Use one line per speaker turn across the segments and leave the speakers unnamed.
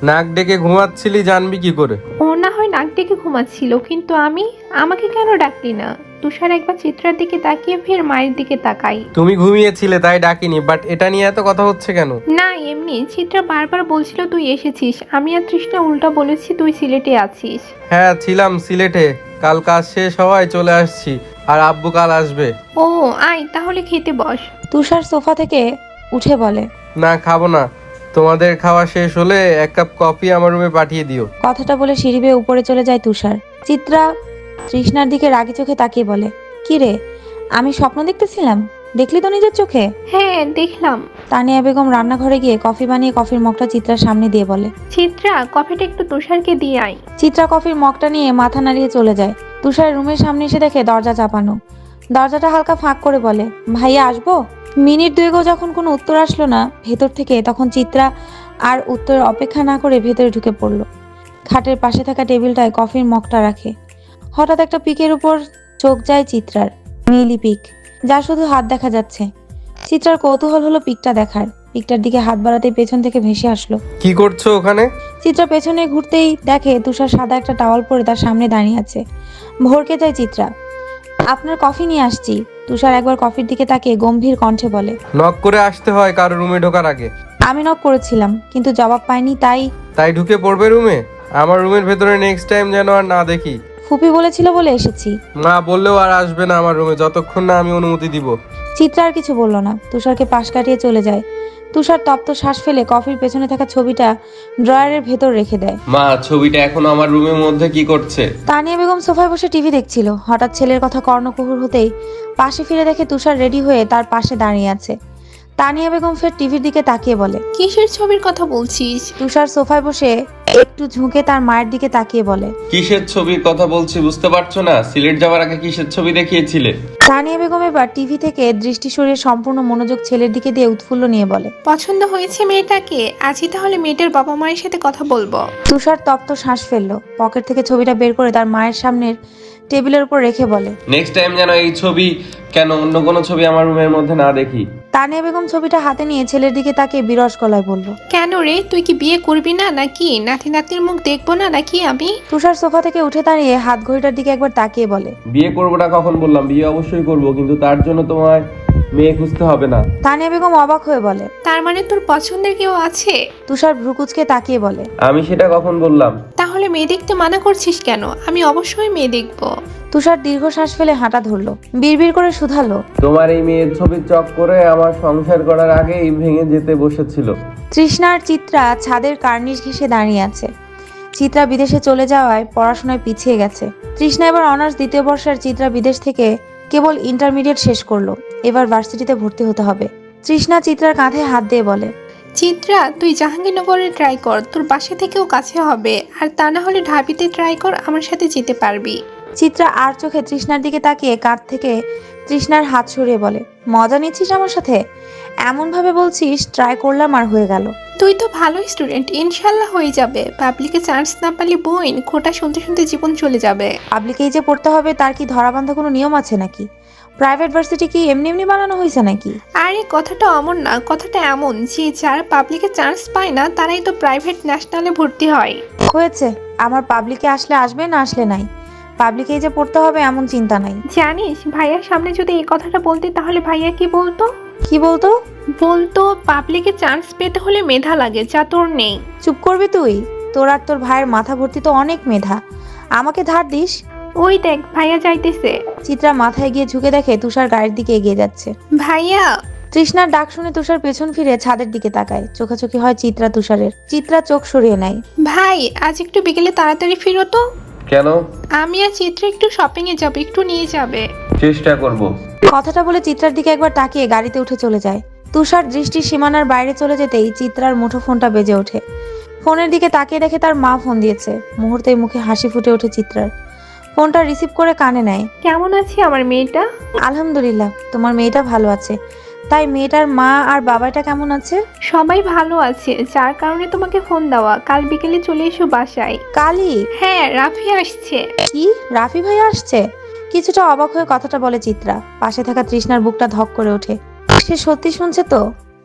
নাক ডেকে ঘুমাচ্ছিলি, জানবি কি করে?
ও না হয় নাক ডেকে ঘুমাচ্ছিল, কিন্তু আমাকে কেন ডাকলি না? তুষার একবার চিত্রার দিকে তাকিয়ে ফের মায়ের দিকে তাকাই।
তুমি ঘুমিয়েছিলে তাই ডাকিনি, বাট এটা নিয়ে এত কথা হচ্ছে কেন?
না এমনি, চিত্রা বারবার বলছিল তুই এসেছিস, আমি আর তৃষ্ণা উল্টা বলেছি তুই সিলেটে আছিস।
হ্যাঁ ছিলাম সিলেটে, কাল কাজ শেষ হওয়ায় চলে আসছি, আর আব্বু কাল আসবে।
ও আয় তাহলে খেতে বস।
তুষার সোফা থেকে উঠে বলে,
না খাবো না, তোমাদের খাওয়া শেষ হলে এক কাপ কফি আমার রুমে পাঠিয়ে দিও।
কথাটা বলে সিঁড়ি বেয়ে উপরে চলে যায় তুষার। চিত্রা তৃষ্ণার দিকে রাগি চোখে তাকিয়ে বলে, কি রে, আমি স্বপ্ন দেখতেছিলাম? দেখলি তো নিজের চোখে।
হ্যাঁ দেখলাম।
তানিয়া বেগম রান্নাঘরে গিয়ে কফি বানিয়ে কফির মগটা চিত্রার সামনে দিয়ে বলে,
চিত্রা কফিটা একটু তুষারকে দিয়ে আয়।
চিত্রা কফির মগটা নিয়ে মাথা নাড়িয়ে চলে যায়। তুষার রুমের সামনে এসে দেখে দরজা চাপানো। দরজাটা হালকা ফাঁক করে বলে, ভাইয়া আসবো? মিনিট দুয়েকও যখন কোনো উত্তর আসলো না ভেতর থেকে, তখন চিত্রা আর উত্তরের অপেক্ষা না করে ভেতরে ঢুকে পড়লো। খাটের পাশে থাকা টেবিলটায় কফির মগটা রাখে। হঠাৎ একটা পিকের উপর চোখ যায় চিত্রার, নীলি পিক, যা শুধু হাত দেখা যাচ্ছে। চিত্রার কৌতূহল হলো পিকটা দেখার। পিকটার দিকে হাত বাড়াতেই পেছন থেকে ভেসে আসলো।
কি করছো ওখানে?
চিত্রা পেছনে ঘুরতেই দেখে তুষার সাদা একটা টাওয়াল পরে তার সামনে দাঁড়িয়ে আছে। ভরকে যায় চিত্রা। আপনার কফি নিয়ে আসছি। তুষার একবার কফির দিকে তাকিয়ে গম্ভীর কণ্ঠে বলে,
নক করে আসতে হয় কারো রুমে ঢোকার আগে।
আমি নক করেছিলাম কিন্তু জবাব পাইনি,
তাই ঢুকে পড়বে রুমে? আমার রুমের ভেতরে নেক্সট টাইম যেন আর না দেখি।
ফুপি বলেছিল বলে এসেছি।
না বললেও আর আসবে না আমার রুমে যতক্ষণ না আমি অনুমতি দিব।
চিত্রা আর কিছু বলল না, তুষারকে পাশ কাটিয়ে চলে যায়। তুষার তপ্ত শ্বাস ফেলে কফির পেছনে থাকা ছবিটা ড্রয়ারের ভেতর রেখে দেয়।
মা, ছবিটা এখন আমার রুমের মধ্যে কি করছে?
তানিয়া বেগম সোফায় বসে টিভি দেখছিল। হঠাৎ ছেলের কথা কর্ণকুহুর হতেই পাশে ফিরে দেখে তুষার রেডি হয়ে তার পাশে দাঁড়িয়ে আছে। তানিয়া বেগম ফের টিভির দিকে তাকিয়ে বলে,
কিসের ছবির কথা বলছিস?
তুষার সোফায় বসে একটু ঝুঁকে তার মায়ের দিকে তাকিয়ে বলে,
কিসের ছবির কথা বলছি বুঝতে পারছো না? সিলেট যাওয়ার আগে কিসের ছবি দেখিয়েছিলে?
তানিয়া বেগম এবার টিভি থেকে দৃষ্টি সরিয়ে সম্পূর্ণ মনোযোগ ছেলের দিকে দিয়ে উৎফুল্ল নিয়ে বলে,
পছন্দ হয়েছে মেয়েটাকে? আজই তাহলে মেয়েটার বাবা মায়ের সাথে কথা বলবো।
তুষার তপ্ত শ্বাস ফেললো। পকেট থেকে ছবিটা বের করে তার মায়ের সামনের টেবিলের উপর রেখে বলে,
নেক্সট টাইম যেন এই ছবি কেন অন্য কোনো ছবি আমার রুমের মধ্যে না দেখি।
তানিয়া বেগম ছবিটা হাতে নিয়ে ছেলের দিকে তাকিয়ে বিরস গলায় বলল,
কেন রে, তুই কি বিয়ে করবি না নাকি? নাতি নাতনির মুখ দেখবো না নাকি আমি?
তুষার সোফা থেকে উঠে দাঁড়িয়ে হাত ঘড়িটার দিকে একবার তাকিয়ে বলে,
বিয়ে করবো না কখন বললাম? বিয়ে অবশ্যই করব, কিন্তু তার জন্য তোমায় মেয়ে খুঁজতে হবে না।
তানিয়া বেগম অবাক হয়ে বলে,
তার মানে তোর পছন্দের কেউ আছে?
তুষার ভ্রুকুচকে তাকিয়ে বলে,
আমি সেটা কখন বললাম?
তাহলে মেয়ে দেখতে মানা করছিস কেন? আমি অবশ্যই মেয়ে দেখবো।
তুষার দীর্ঘশ্বাস ফেলে হাঁটা ধরলো। বিড়বিড় করে শুধালো,
তোমার এই মেয়ের ছবির চক করে আমার সংসার করার আগেই ভেঙে যেতে বসেছিল।
তৃষ্ণা আর চিত্রা ছাদের কার্নিশ ঘেঁষে দাঁড়িয়ে আছে। চিত্রা বিদেশে চলে যাওয়ায় পড়াশোনায় পিছিয়ে গেছে। তৃষ্ণা এবার অনার্স দ্বিতীয় বর্ষের, চিত্রা বিদেশ থেকে কেবল ইন্টারমিডিয়েট শেষ করলো। এবার ভার্সিটিতে ভর্তি হতে হবে। তৃষ্ণা চিত্রার কাঁধে হাত দিয়ে বলে,
চিত্রা তুই জাহাঙ্গীরনগরে ট্রাই কর, তোর বাসা থেকেও কাছে হবে। আর তা না হলে ঢাবিতে ট্রাই কর, আমার সাথে যেতে পারবি।
চিত্রা আর চোখে তৃষ্ণার দিকে তাকিয়ে কাঁধ থেকে তৃষ্ণার হাত সরিয়ে বলে, মজা নিচ্ছিস আমার সাথে? এমন ভাবে বলছিস ট্রাই করলাম আর হয়ে গেল।
তুই তো ভালো স্টুডেন্ট, ইনশাল্লাহ হয়ে যাবে। পাবলিকে চান্স না পারলে বোন খোটা শুনতে শুনতে জীবন চলে যাবে।
পাবলিকেই যে পড়তে হবে তার কি ধরাবান্ধা কোনো নিয়ম আছে নাকি? প্রাইভেট ভার্সিটি কি এমনি এমনি বানানো হয়েছে নাকি?
আরে কথাটা অমন না, কথাটা এমন যে যারা পাবলিকে চান্স পায় না তারাই তো প্রাইভেট ন্যাশনালে ভর্তি হয়।
হয়েছে, আমার পাবলিকে আসলে আসবে, না আসলে নাই। পাবলিকেই যে পড়তে হবে এমন চিন্তা নাই।
জানিস ভাইয়ার সামনে যদি এই কথাটা বলতে তাহলে ভাইয়া কি বলতো?
কি বলতো?
বলতো পাবলিকে চান্স পেতে হলে মেধা লাগে, যা তোর নেই।
চুপ করবি তুই? তোর আর তোর ভাইয়ের মাথা ভর্তি তো অনেক মেধা, আমাকে ধার দিস?
ওই দেখ ভাইয়া যাইতেছে।
চিত্রা মাথায় গিয়ে ঝুঁকে দেখে তুষার গাড়ির দিকে এগিয়ে যাচ্ছে।
ভাইয়া।
তৃষ্ণার ডাক শুনে তুষার পেছন ফিরে ছাদের দিকে তাকায়। চোখাচোখি হয় চিত্রা তুষারের। চিত্রা চোখ সরিয়ে নেয়।
ভাই আজ একটু বিকেলে তাড়াতাড়ি ফিরো তো।
কেন?
আমি আর চিত্রা একটু শপিং এ যাবো, একটু নিয়ে যাবে।
চেষ্টা করব।
কথাটা বলে চিত্রার দিকে একবার তাকিয়ে গাড়িতে উঠে চলে যায়। তুষার দৃষ্টির সীমানার বাইরে চলে যেতেই চিত্রার মুঠো ফোনটা বেজে ওঠে। ফোনের দিকে তাকিয়ে দেখে তার মা ফোন দিয়েছে। মুহূর্তেই মুখে হাসি ফুটে ওঠে চিত্রার। ফোনটা রিসিভ করে কানে নেয়।
কেমন আছে আমার মেয়েটা?
আলহামদুলিল্লাহ, তোমার মেয়েটা ভালো আছে। তাই মেয়েটার মা আর বাবাটা কেমন আছে?
সবাই ভালো আছে, যার কারণে তোমাকে ফোন দেওয়া। কাল বিকেলে চলে এসো বাসায়।
কালি?
হ্যাঁ, রাফি আসছে।
কি, রাফি ভাই আসছে? কিছুটা অবাক হয়ে কথাটা বলে চিত্রা। পাশে থাকা তৃষ্ণার বুকটা ধক করে ওঠে। সে সত্যি শুনছে তো?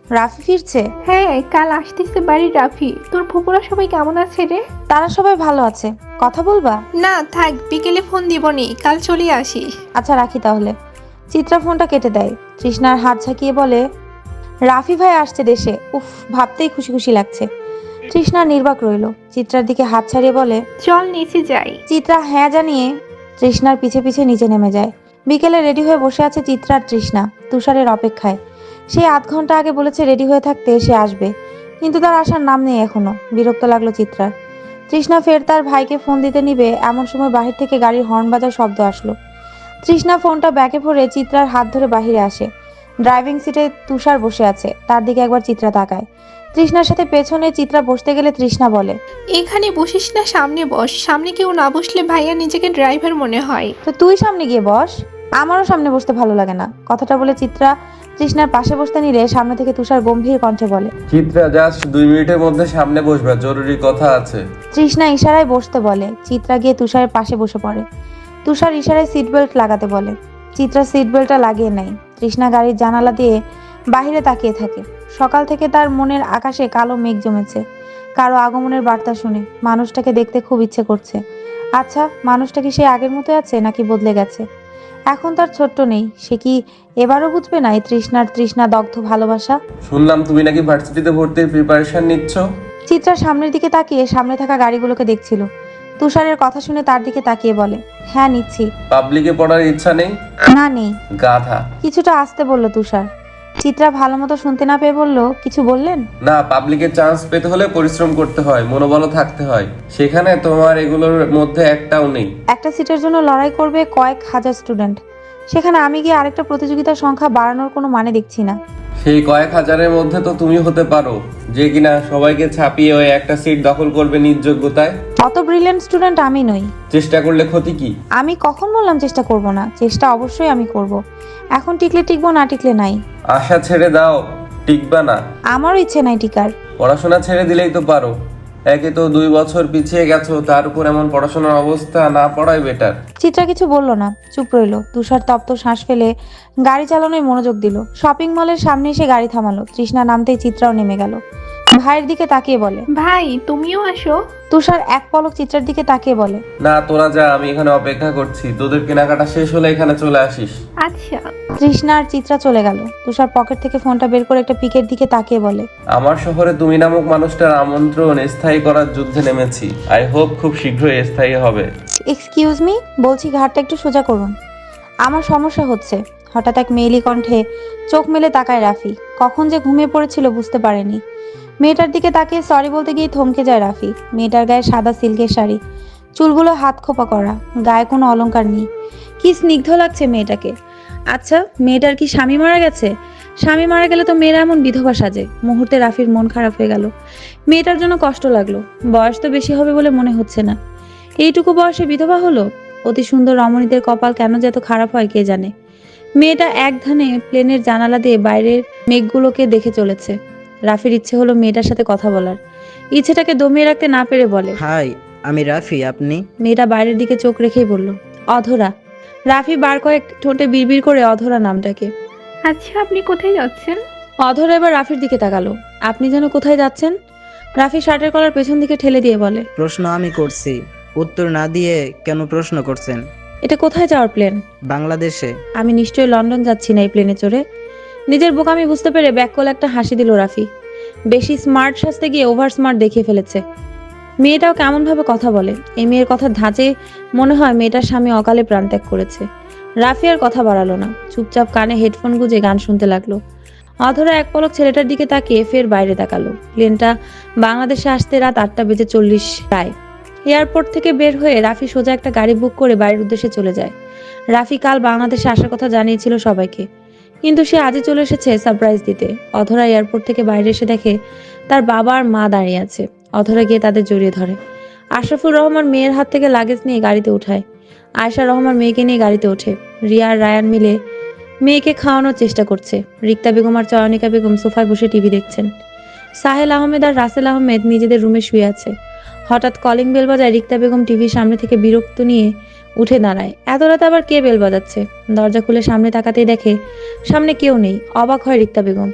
রাফি ফিরছে?
হ্যাঁ, কাল আসতেছে বাড়ির রাফি। তোর ফুপুরা সবাই কেমন আছে রে?
তারা সবাই ভালো আছে। কথা বলবা?
না থাক, বিকেলে ফোন দিবনি, কাল চলে আসিস।
আচ্ছা রাখি তাহলে। চিত্রা ফোনটা কেটে দেয়। তৃষ্ণার হাত ঝাঁকিয়ে বলে, রাফি ভাই আসছে দেশে। উফ, ভাবতেই খুশি খুশি লাগছে। তৃষ্ণা নির্বাক রইল। চিত্রার দিকে হাত ছাড়িয়ে বলে,
চল নিচে যাই।
চিত্রা হ্যাঁ জানিয়ে তৃষ্ণার পিছে পিছে নিচে নেমে যায়। বিকেলে রেডি হয়ে বসে আছে চিত্রা আর তৃষ্ণা তুষারের অপেক্ষায়। সে আধ ঘন্টা আগে বলেছে রেডি হয়ে থাকতে, সে আসবে, কিন্তু তার আসার নাম নেই এখনো। বিরক্ত লাগলো চিত্রার। তৃষ্ণা ফের তার ভাইকে ফোন দিতে নিবে এমন সময় বাহির থেকে গাড়ির হর্ন বাজার শব্দ আসলো। তৃষ্ণা ফোনটা ব্যাগে ভরে চিত্রার হাত ধরে বাহিরে আসে। ড্রাইভিং সিটে তুষার বসে আছে, তার দিকে একবার চিত্রা তাকায়। তৃষ্ণার সাথে পেছনে চিত্রা বসতে গেলে তৃষ্ণা বলে,
এখানে বসিস না, সামনে বস। সামনে কেউ না বসলে ভাইয়া নিজেকে ড্রাইভার মনে হয়।
তো তুই সামনে গিয়ে বস। আমারও সামনে বসতে ভালো লাগে না। কথাটা বলে চিত্রা তৃষ্ণার পাশে বসতে নিলে সামনে থেকে তুষার গম্ভীর কণ্ঠে বলে,
চিত্রা জাস্ট 2 মিনিটের মধ্যে সামনে বসবা, জরুরি কথা আছে।
তৃষ্ণা ইশারায় বসতে বলে। চিত্রা গিয়ে তুষারের পাশে বসে পড়ে। তুষার ইশারায় সিট বেল্ট লাগাতে বলে। চিত্রা সিট বেল্টটা লাগিয়ে নেয়। তৃষ্ণা গাড়ির জানালা দিয়ে বাইরে তাকিয়ে থাকে। সকাল থেকে তার মনের আকাশে কালো মেঘ জমেছে। কারো আগমনের বার্তা শুনে মানুষটাকে দেখতে খুব ইচ্ছে করছে। আচ্ছা, মানুষটা কি সে আগের মতো আছে নাকি বদলে গেছে? এখন তার ছোট্ট নেই, সে কি এবারও বুঝবে না এই তৃষ্ণা দগ্ধ ভালোবাসা?
শুনলাম তুমি নাকি ভার্সিটিতে ভর্তির প্রিপারেশন নিচ্ছ।
চিত্রা সামনের দিকে তাকিয়ে সামনে থাকা গাড়িগুলোকে দেখছিল। তুষারের কথা শুনে তার দিকে তাকিয়ে বলে, হ্যাঁ নিচ্ছি।
পাবলিকে পড়ার ইচ্ছা নেই?
না নেই।
গাধা।
কিছুটা আসতে বলল তুষার। চিত্রা ভালো মতো শুনতে না পেয়ে বলল, কিছু বললেন?
না, পাবলিকে চান্স পেতে হলে পরিশ্রম করতে হয়, মনোবলও থাকতে হয়। সেখানে তোমার এগুলোর মধ্যে একটাও নেই।
একটা সিটের জন্য লড়াই করবে কয়েক হাজার স্টুডেন্ট, সেখানে আমি গিয়ে আরেকটা প্রতিযোগিতার সংখ্যা বাড়ানোর কোনো মানে দেখছি না।
সেই কয়েক হাজারের মধ্যে তো তুমি হতে পারো, যে কিনা সবাইকে ছাপিয়ে ওই একটা সিট দখল করবে নিজ যোগ্যতায়।
অত ব্রিলিয়েন্ট স্টুডেন্ট আমি নই।
চেষ্টা করলে ক্ষতি কি?
আমি কখন বললাম চেষ্টা করব না? চেষ্টা অবশ্যই আমি করব। এখন টিকলে টিকবো, না টিকলে নাই।
আশা ছেড়ে দাও, টিকবা না।
আমারও ইচ্ছে নাই টিকার।
পড়াশোনা ছেড়ে দিলেই তো পারো। একে তো 2 বছর পিছিয়ে গেছো, তার উপর এমন পড়াশোনার অবস্থা, না পড়াই বেটার।
চিত্রা কিছু বলল না, চুপ রইল। তুষার তপ্ত শ্বাস ফেলে গাড়ি চালানোয় মনোযোগ দিল। শপিং মলের সামনে এসে গাড়ি থামালো। তৃষ্ণা নামতেই চিত্রাও নেমে গেল। ভাইয়ের দিকে তাকিয়ে বলে,
ভাই তুমিও আসো।
তুষার এক পলক চিত্রার দিকে তাকিয়ে বলে,
না তোরা যা, আমি এখানে অপেক্ষা করছি। তোদের কেনাকাটা শেষ হলে এখানে চলে আসিস।
আচ্ছা।
তৃষ্ণা আর চিত্রা চলে গেল। তুষার পকেট থেকে ফোনটা বের করে একটা পিকের দিকে তাকিয়ে বলে,
আমার শহরে তুমি নামক মানুষটার আমন্ত্রণ স্থায়ী করার যুদ্ধে নেমেছি। আই হোপ খুব শীঘ্রই স্থায়ী হবে।
এক্সকিউজ মি, বলছি ঘাটটা একটু সোজা করুন, আমার সমস্যা হচ্ছে। হঠাৎ এক মেয়েলি কণ্ঠে চোখ মেলে তাকায় রাফি। কখন যে ঘুমিয়ে পড়েছিল বুঝতে পারেনি। মেয়েটার দিকে তাকিয়ে সরি বলতে গিয়ে থমকে যায় রাফি। মেয়েটার গায়ে সাদা সিল্কের শাড়ি, চুলগুলো হাত খোপা করা, গায়ে কোনো অলংকার নেই। কি স্নিগ্ধ লাগছে মেয়েটাকে। আচ্ছা, মেয়েটার কি স্বামী মারা গেছে? স্বামী মারা গেলে তো মেয়েরা এমন বিধবা সাজে। মুহূর্তে রাফির মন খারাপ হয়ে গেল। মেয়েটার জন্য কষ্ট লাগলো। বয়স তো বেশি হবে বলে মনে হচ্ছে না। এইটুকু বয়সে বিধবা হলো। অতি সুন্দর রমণীদের কপাল কেন যে এত খারাপ হয় কে জানে। মেয়েটা এক ধ্যানে প্লেনের জানালা দিয়ে বাইরের মেঘগুলোকে দেখে চলেছে। রাফির ইচ্ছে হলো মেয়েটার সাথে কথা বলার। ইচ্ছেটাকে দমিয়ে রাখতে না পেরে বলে,
হাই, আমি রাফি, আপনি?
মেয়েটা বাইরের দিকে চোখ রেখেই বলল, অধরা। রাফি বার কয়েক ঠোঁটে বিড়বিড় করে অধরা নামটাকে।
আচ্ছা, আপনি কোথায় যাচ্ছেন?
অধরা এবার রাফির দিকে তাকালো। আপনি যেন কোথায় যাচ্ছেন? রাফি শার্টের কলার পেছন দিকে ঠেলে দিয়ে বলে,
প্রশ্ন আমি করছি, উত্তর না দিয়ে কেন প্রশ্ন করছেন?
এটা কোথায় যাওয়ার প্লেন?
বাংলাদেশে।
আমি নিশ্চয়ই লন্ডন যাচ্ছি না এই প্লেনে চড়ে। নিজের বোকামি বুঝতে পেরে ব্যাককল একটা হাসি দিল রাফি। বেশি স্মার্ট সাজতে গিয়ে ওভার স্মার্ট দেখিয়ে ফেলেছে। মেয়েটাও কেমন ভাবে কথা বলে। এই মেয়ের কথার ধাঁচে মনে হয় মেয়েটার স্বামী অকালে প্রাণত্যাগ করেছে। রাফি আর কথা বাড়ালো না, চুপচাপ কানে হেডফোন গুঁজে গান শুনতে লাগলো। অধরা এক পলক ছেলেটার দিকে তাকিয়ে ফের বাইরে তাকালো। প্লেনটা বাংলাদেশে আসতে রাত 8:40 প্রায়। এয়ারপোর্ট থেকে বের হয়ে রাফি সোজা একটা গাড়ি বুক করে বাড়ির উদ্দেশ্যে চলে যায়। রাফি কাল বাংলাদেশে আসার কথা জানিয়েছিল সবাইকে, কিন্তু সে আজই চলে এসেছে সারপ্রাইজ দিতে। অধরা এয়ারপোর্ট থেকে বাইরে এসে দেখে তার বাবা আর মা দাঁড়িয়ে আছে। অধরা গিয়ে তাদের জড়িয়ে ধরে। আশরাফুর রহমান মেয়ের হাত থেকে লাগেজ নিয়ে গাড়িতে উঠায়। আয়শা রহমান মেয়েকে নিয়ে গাড়িতে ওঠে। রিয়া আর রায়ান মিলে মেয়েকে খাওয়ানোর চেষ্টা করছে। রিক্তা বেগম আর চয়নিকা বেগম সোফায় বসে টিভি দেখছেন। সাহেল আহমেদ আর রাসেল আহমেদ নিজেদের রুমে শুয়ে আছে। হঠাৎ কলিং বেল বাজায়। রিক্তা বেগম টিভির সামনে থেকে বিরক্ত নিয়ে উঠে দাঁড়ায়। এত রাতে আবার কে বেল বাজাচ্ছে? দরজা খুলে সামনে তাকাতেই দেখে সামনে কেউ নেই। অবাক হয় রিক্তা বেগম।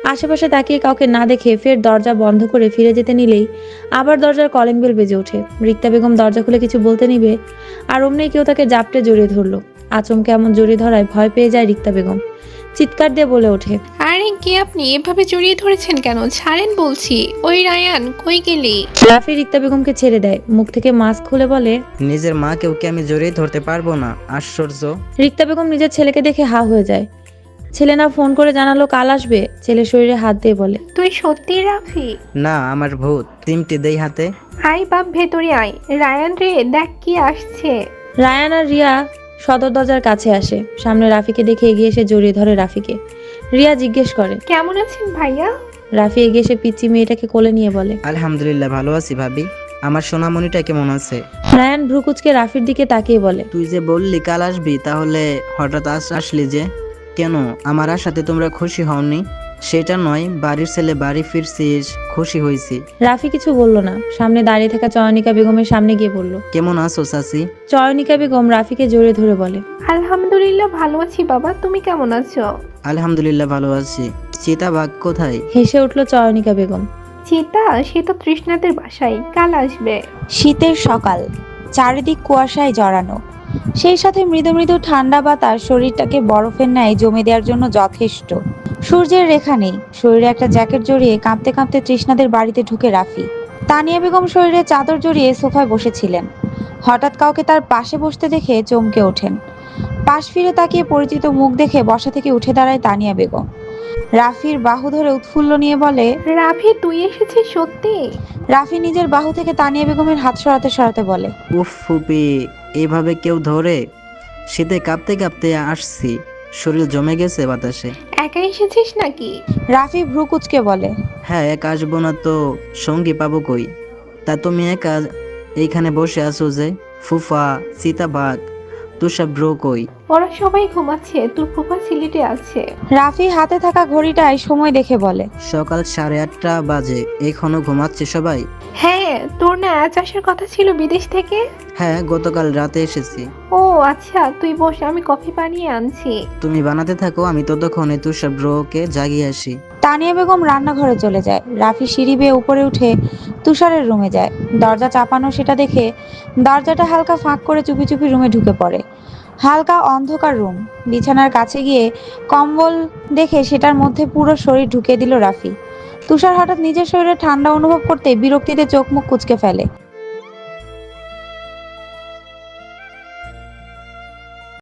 আশেপাশে তাকিয়ে কাউকে না দেখে ফের দরজা বন্ধ করে ফিরে যেতে নিলেই আবার দরজার কলিং বেল বেজে ওঠে। রিক্তা বেগম দরজা খুলে কিছু বলতে নিবে আর অমনি কেউ তাকে জাপটে জড়িয়ে ধরলো। আচমকে এমন জড়িয়ে ধরায় ভয় পেয়ে যায় রিক্তা বেগম। চিৎকার দিয়ে বলে ওঠে,
আরে কে আপনি? এভাবে জড়িয়ে ধরেছেন কেন? ছাড়েন বলছি। ওই রায়ান, কই গেলি?
রাফি রিক্তা বেগমকে ছেড়ে দেয়, মুখ থেকে মাস্ক খুলে বলে,
নিজের মাকেও কি আমি জড়িয়ে ধরতে পারবো না? আশ্চর্য।
রিক্তা বেগম নিজের ছেলেকে দেখে হা হয়ে যায়। ছেলে না ফোন করে জানালো কাল আসবে। ছেলে শরীরে হাত দিয়ে বলে,
তুই সত্যি রাফি?
না, আমার ভূত। চিমটি দেই হাতে।
আয় বাপ, ভেতরে আয়। রায়ান রে, দেখ কি আসছে।
রায়ান আর রিয়া সদর দরজার কাছে আসে। সামনে রাফিকে দেখে এগিয়ে এসে জড়িয়ে ধরে রাফিকে। রিয়া জিজ্ঞেস করে,
কেমন আছেন ভাইয়া?
রাফি এগিয়ে এসে পিচ্চি মেয়েটাকে কোলে নিয়ে বলে,
আলহামদুলিল্লাহ ভালো আছি ভাবি। আমার সোনামণিটা কেমন আছে?
রায়ান ভ্রুকুচকে রাফির দিকে তাকিয়ে বলে,
তুই যে বললি কাল আসবি, তাহলে হঠাৎ আসলি যে কেন? আমার আশাতে তোমরা খুশি হওনি? সেটা নয়, বাড়ির ছেলে বাড়ি ফিরছিস, খুশি হয়েছি।
রাফি কিছু বলল না। সামনে দাঁড়িয়ে থাকা চয়নিকা বেগমের সামনে গিয়ে বলল।
কেমন আছো চাচি?
চয়নিকা বেগম রাফিকে জড়িয়ে ধরে বলে,
আলহামদুলিল্লাহ ভালো আছি বাবা, তুমি কেমন আছো?
আলহামদুলিল্লাহ ভালো আছি। চিতাবাঘ কোথায়?
হেসে উঠল চয়নিকা বেগম।
চিতা, সে তো তৃষ্ণাদের বাসায়, কাল আসবে।
শীতের সকাল, চারিদিক কুয়াশায় জড়ানো, সেই সাথে মৃদু মৃদু ঠান্ডা বাতাস শরীরটাকে বরফের ন্যায় জমে দেওয়ার জন্য যথেষ্ট। সূর্যের রেখা নেই, শরীরে একটা জ্যাকেট জড়িয়ে কাঁপতে কাঁপতে তৃষ্ণাদের বাড়িতে ঢুকে রাফি। তানিয়া বেগম শরীরে চাদর জড়িয়ে সোফায় বসেছিলেন। হঠাৎ কাউকে তার পাশে বসতে দেখে চমকে ওঠেন। পাশ ফিরে তাকিয়ে পরিচিত মুখ দেখে বসা থেকে উঠে দাঁড়ায় তানিয়া বেগম। রাফির বাহু ধরে উৎফুল্ল নিয়ে বলে,
রাফি, তুই এসেছিস সত্যি?
রাফি নিজের বাহু থেকে তানিয়া বেগমের হাত সরাতে সরাতে বলে,
উফ ফুপি, এভাবে কেউ ধরে? শীতে কাঁপতে কাঁপতে আসছি, শরীর জমে গেছে বাতাসে।
একা এসেছিস নাকি?
রাফি ভ্রু কুচকে বলে,
হ্যাঁ, একা আসবো না তো সঙ্গী পাবো কই? তা তুমি একা এইখানে বসে আছো যে? ফুফা, চিতাবাঘ, তুষার ব্রো কই?
ওরা সবাই ঘুমাচ্ছে, তোর ফুফা সিলেটে আছে।
রাফি হাতে থাকা ঘড়িটায় সময় দেখে বলে,
সকাল 8:30 বাজে, এখনো ঘুমাচ্ছে সবাই?
হ্যাঁ, তোর না আজ আসার কথা ছিল বিদেশ থেকে?
হ্যাঁ, গতকাল রাতে এসেছি।
ও আচ্ছা, তুই বস, আমি কফি বানিয়ে আনছি।
তুমি বানাতে থাকো, আমি ততক্ষণে তুষার ব্রোকে জাগিয়ে আসি।
তানিয়া বেগম রান্নাঘরে চলে যায়। রাফি সিঁড়ি বেয়ে উপরে উঠে তুষারের রুমে যায়। দরজা চাপানো সেটা দেখে দরজাটা হালকা ফাঁক করে চুপি চুপি রুমে ঢুকে পড়ে। হালকা অন্ধকার রুম। বিছানার কাছে গিয়ে কম্বল দেখে সেটার মধ্যে পুরো শরীর ঢুকিয়ে দিল রাফি। তুষার হঠাৎ নিজের শরীরে ঠান্ডা অনুভব করতে বিরক্তিতে চোখ মুখ কুঁচকে ফেলে।